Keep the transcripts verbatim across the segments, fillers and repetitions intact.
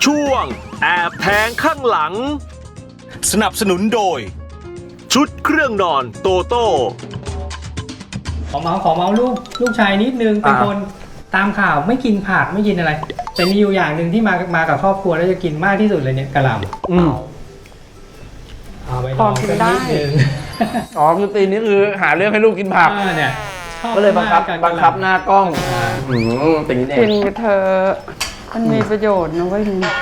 ช่วงแอบแทงข้างหลังสนับสนุนโดยชุดเครื่องนอนโตโต้ขอเมาส์ขอเมาส์ลูกลูกชายนิดนึงเป็นคนตามข่าวไม่กินผักไม่กินอะไรแต่มีอยู่อย่างหนึ่งที่มามากับครอบครัวแล้วจะกินมากที่สุดเลยเนี่ยกะหล่ำอืมเอาไปลองกันนิดนึงอ๋อคือตีนี้คือหาเรื่องให้ลูกกินผักเนี่ยก็เลยบังคับบังคับหน้ากล้องอืมตีนี้เองกินไปเถอะมันมีประโยชน์นะเว้ย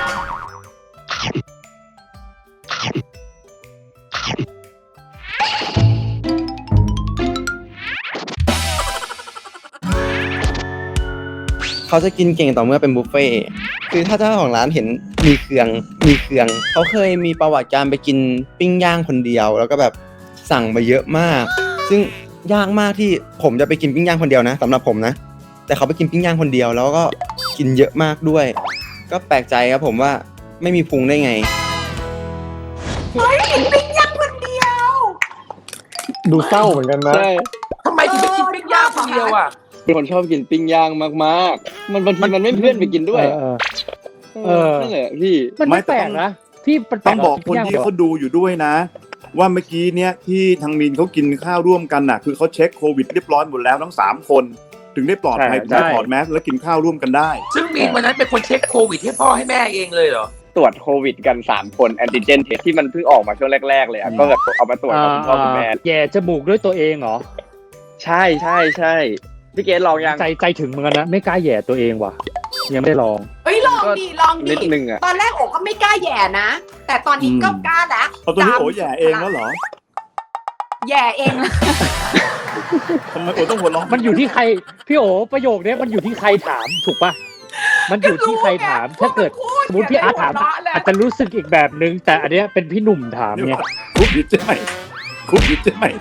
เขาจะกินเก่งต่อเมื่อเป็นบุฟเฟ่คือถ้าเจ้าของร้านเห็นมีเครื่องมีเครื่องเขาเคยมีประวัติการไปกินปิ้งย่างคนเดียวแล้วก็แบบสั่งมาเยอะมากซึ่งยากมากที่ผมจะไปกินปิ้งย่างคนเดียวนะสำหรับผมนะแต่เขาไปกินปิ้งย่างคนเดียวแล้วก็กินเยอะมากด้วยก็แปลกใจครับผมว่าไม่มีพุงได้ไงเฮ้ยกินปิ้งย่างคนเดียวดูเศร้าเหมือนกันนะใช่ทำไมถึงไปกินปิ้งย่างคนเดียวอ่ะเป็นคนชอบกินปิ้งย่างมากๆมันบางทีมันไม่เพื่อนไปกินด้วยเออนั่นแหละพี่มันไม่แปลกนะที่ต้องบอกคนที่เขาดูอยู่ด้วยนะว่าเมื่อกี้เนี้ยที่ทางมีนเขากินข้าวร่วมกันน่ะคือเขาเช็คโควิดเรียบร้อยหมดแล้วทั้งสามคนถึงได้ปลอดภัยได้ถอดแมสแล้วกินข้าวร่วมกันได้ซึ่งมีนวันนั้นเป็นคนเช็คโควิดให้พ่อให้แม่เองเลยเหรอตรวจโควิดกันสามคนแอนติเจนเทสที่มันเพิ่งออกมาช่วงแรกๆเลยอ่ะก็แบบเอามาตรวจกับคุณพ่อคุณแม่แย่จมูกด้วยตัวเองเหรอใช่ใช่ใช่พี่เกดลองยังใจใจถึงเหมือนกันนะไม่กล้าแย่ตัวเองว่ะยังไม่ได้ลองเอ้ยลองดิลองดินิดนึงอ่ะตอนแรกโอ๋ก็ไม่กล้าแย่นะแต่ตอนนี้ก็กล้าแล้วเอาตัวนี้โอ๋แย่เองแล้วเหรอแย่เองทำไมโอ๋ต้องหัวเราะมันอยู่ที่ใครพี่โอ๋ประโยคนี้มันอยู่ที่ใครถามถูกป่ะมันอยู่ที่ใครถามถ้าเกิดสมมติพี่อาร์ตถามอาจจะรู้สึกอีกแบบนึงแต่อันเนี้ยเป็นพี่หนุ่มถามเนี่ยคุบยิดใช่ไหมคุบยิดใช่ไหม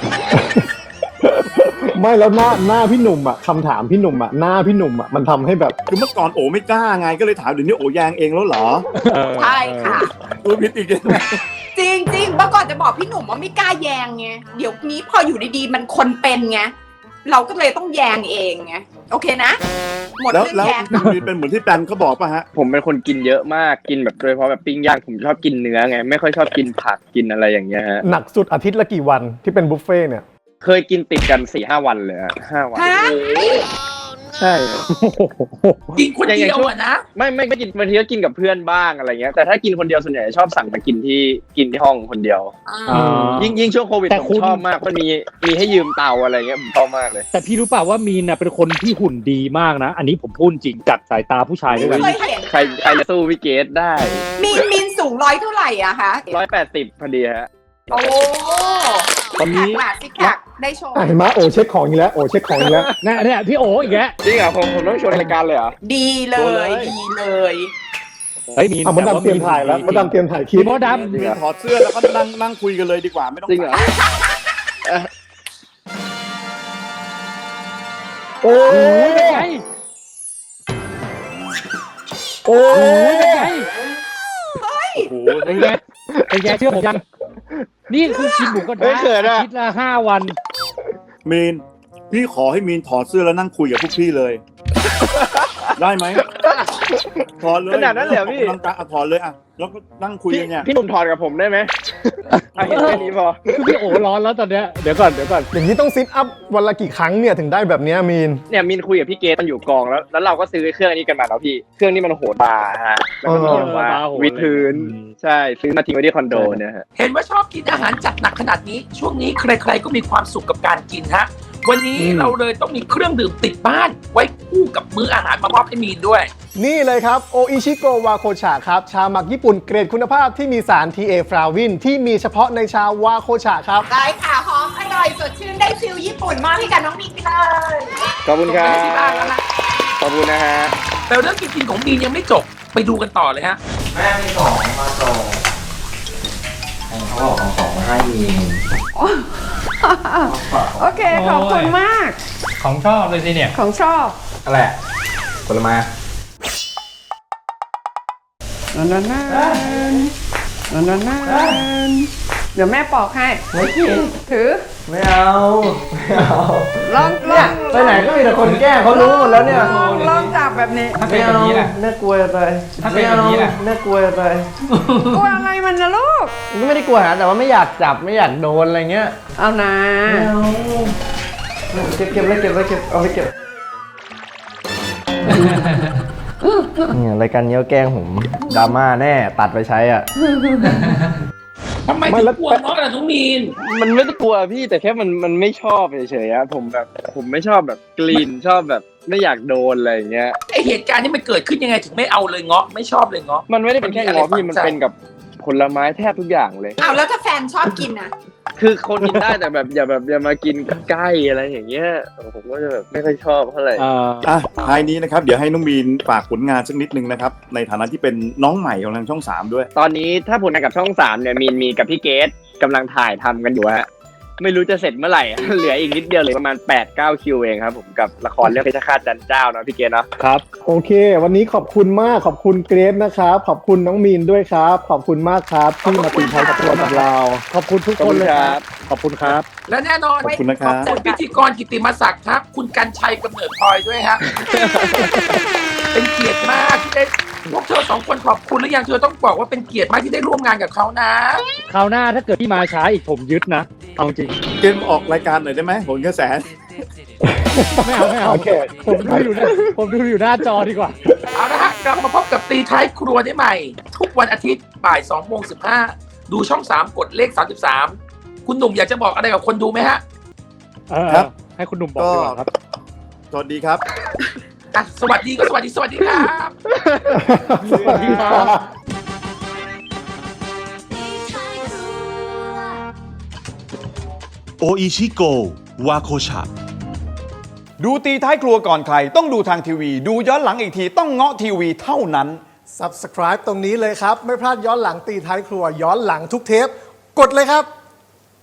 ไม่แล้วหน้าหน้าพี่หนุ่มอ่ะคำถามพี่หนุ่มอ่ะหน้าพี่หนุ่มอ่ะมันทำให้แบบคือเมื่อก่อนโอไม่กล้าไงก็เลยถามเดี๋ยวนี้โอแยงเองแล้วเหรอใช่ค่ะดูพิษอีกจริงจริงเมื่อก่อนจะบอกพี่หนุ่มว่าไม่กล้าแยงไงเดี๋ยวนี้พออยู่ดีๆมันคนเป็นไงเราก็เลยต้องแยงเองไงโอเคนะหมดเรื่องแยงแล้วเป็นเหมือนที่แปนเขาบอกป่ะฮะผมเป็นคนกินเยอะมากกินแบบโดยเฉพาะแบบปิ้งย่างผมชอบกินเนื้อไงไม่ค่อยชอบกินผักกินอะไรอย่างเงี้ยฮะหนักสุดอาทิตย์ละกี่วันที่เป็นบุฟเฟ่เนี่ยเคยกินติดกัน สี่ห้า วันเลยฮะห้าวันใช่กินคนเดียวอ่ะนะไม่ไม่ไม่กินบางทีก็กินกับเพื่อนบ้างอะไรเงี้ยแต่ถ้ากินคนเดียวส่วนใหญ่ชอบสั่งมากินที่กินที่ห้องคนเดียวยิ่งยิ่งช่วงโควิดผมชอบมากเพราะมีมีให้ยืมเตาอะไรเงี้ยผมชอบมากเลยแต่พี่รู้เปล่าว่ามีนน่ะเป็นคนที่หุ่นดีมากนะอันนี้ผมพูดจริงจากสายตาผู้ชายด้วยกันใครใครจะสู้พี่เกดได้มีมีนสูงร้อยเท่าไหร่อะคะร้อยแปดสิบพอดีฮะโอ้ตอนนี้ซิกแพคได้โชว์เห็นไหมโอเช็คของอีกแล้วโอเช็คของอีกแล้วเนี่ยเนี่ยพี่โออีกแล้วจริงเหรอผมผมต้องชวนรายการเลยเหรอดีเลยดีเลยเฮ้ยมีอ่ะมันดำเตรียมถ่ายแล้วมันดำเตรียมถ่ายคลิปมดดำมีถอดเสื้อแล้วก็นั่งนั่งคุยกันเลยดีกว่าไม่ต้องจริงเหรอโอ้ยโอ้ยเฮ้ยเป็นไงเป็นไงเชื่อผมยังนี่คือกินหมูกระทะอาทิตย์ละห้าวันมีนพี่ขอให้มีนถอดเสื้อแล้วนั่งคุยกับพวกพี่เลยได้ไหมถอดเลยขนาดนั้นเลยพี่นั่งตาถอดเลยอ่ะแล้วก็นั่งคุยกันเนี่ยพี่หนุ่มถอดกับผมได้ไหมเอาเห็นแค่นี้พอพี่โอ๋ร้อนแล้วตอนเนี้ยเดี๋ยวก่อนเดี๋ยวก่อนอย่างนี้ต้องซิทอัพวันละกี่ครั้งเนี่ยถึงได้แบบนี้มีนเนี่ยมีนคุยกับพี่เกตมันอยู่กองแล้วแล้วเราก็ซื้อเครื่องนี้กันมาแล้วพี่เครื่องนี้มันโหดบาฮะแล้วก็มีว่าวิดพื้นใช่ซื้อมาทิ้งไว้ที่คอนโดเนี่ยฮะเห็นว่าชอบกินอาหารจัดหนักขนาดนี้ช่วงนี้ใครๆก็มีความสุขกับการกินฮะวันนี้เราเลยต้องมีเครื่องดื่มติดบ้านไว้คู่กับมื้ออาหารมามอบให้มีนด้วยนี่เลยครับโออิชิโกวาโคชะครับชาหมักญี่ปุ่นเกรดคุณภาพที่มีสาร ที เอ ฟลาวินที่มีเฉพาะในชาวาโคชะครับได้ค่ะหอมอร่อยสดชื่นได้ฟิลญี่ปุ่นมากให้กับน้องมีนไปเลยขอบคุณครับขอบคุณนะฮะแต่เรื่องกินของมีนยังไม่จบไปดูกันต่อเลยฮะแม่มีของมาส่งเขาบอกของของมาให้มีนโอเคขอบคุณมากของชอบเลยสิเนี่ยของชอบอะไรผลไม้นั่นนั่นนั่นนั่นนั่นเดี๋ยวแม่ปอกให้ไม่กินถือไม่เอาไม่เอาลองลเนี่อย งไปไหนก็มีแต่คนแกล้งเขารู้หมดแล้วเนี่ยลองลองจับแบบนี้ถ้าเป็นแบบนี้ล่ะน่ากลัวอะไรถ้าเป็นแบบนี้ล่ะน่ากลัวอะไรกลัวอะไรมันนะลูกก็ไม่ได้กลัวนะแต่ว่าไม่อยากจับไม่อยากโดนอะไรเงี้ยเอานะไม่เอาเก็บเก็บไว้เก็บไว้เก็บเอาไปเก็บเนี่ยรายการเนี้ยแกล้งผมดราม่าแน่ตัดไปใช้อ่ะทำไมถึงกลัวน้องล่ะน้องมีนมันไม่ได้กลัวพี่แต่แค่มันมันไม่ชอบเฉยๆอะผมแบบผมไม่ชอบแบบกลิ่นชอบแบบไม่อยากโดนอะไรอย่างเงี้ยไอเหตุการณ์นี้มันเกิดขึ้นยังไงถึงไม่เอาเลยเงาะไม่ชอบเลยเงาะมันไม่ได้เป็นแค่ง้อพี่มันเป็นกับผลไม้แทบทุกอย่างเลยอ้าวแล้วถ้าแฟนชอบกินนะคือคนกินได้แต่แบบอย่าแบบอย่ามากินใกล้อะไรอย่างเงี้ยผมก็จะแบบไม่ค่อยชอบเท่าไหร่อ่ะท้ายนี้นะครับเดี๋ยวให้น้องมีนฝากผลงานสักนิดนึงนะครับในฐานะที่เป็นน้องใหม่ของทางช่องสามด้วยตอนนี้ถ้าผลงานกับช่องสามเนี่ยมีนมีกับพี่เกตกำลังถ่ายทำกันอยู่ฮะไม่รู้จะเสร็จเมื่อไหร่ เหลืออีกนิดเดียวเหลือประมาณ แปดเก้า คิวเองครับผมกับละครเรื่องเพชรฆาตจันเจ้าเนาะพี่เกตเนาะครับโอเค วันนี้ขอบคุณมากขอบคุณเกรซนะครับขอบคุณน้องมีนด้วยครับ ขอบคุณมากครับที่มาตีท้ายกับตัวกับเราขอบคุณทุกคนเลยครับ ขอบคุณครับและแน่นอนขอบคุณนะครับขอบคุณพิธีกรกิตติมศักดิ์ครับ คุณกันชัยกำเนิดพลอยด้วยฮะ เป็นเกียรติมากที่ได้พวกเธอสองคนขอบคุณหรือยังเธอต้องบอกว่าเป็นเกียรติมากที่ได้ร่วมงานกับเขานะคราวหน้าถ้าเกิดพี่มาช้าอีกผมยึดนะเอาจริงเกมออกรายการหน่อยได้ไหมผลกระแสไม่เอาไม่เอาผมดูอยู่หน้าผมดูอยู่หน้าจอดีกว่าเอาละฮะกลับมาพบกับตีท้ายครัวได้ใหม่ ทุกวันอาทิตย์บ่ายสองโมงสิบห้าดูช่องสามกดเลขสามสิบสามคุณหนุ่มอยากจะบอกอะไรกับคนดูไหมฮะเออครับให้คุณหนุ่มบอกดีกว่าครับสวัสดีครับอ่ะสวัสดีก็สวัสดีสวัสดีครับสวัสดีครับโออิชิโกวาโคชะดูตีท้ายครัวก่อนใครต้องดูทางทีวี ดูย้อนหลังอีกทีต้องเงาะทีวีเท่านั้น Subscribe ตรงนี้เลยครับ ไม่พลาดย้อนหลังตีท้ายครัวย้อนหลังทุกเทป กดเลยครับ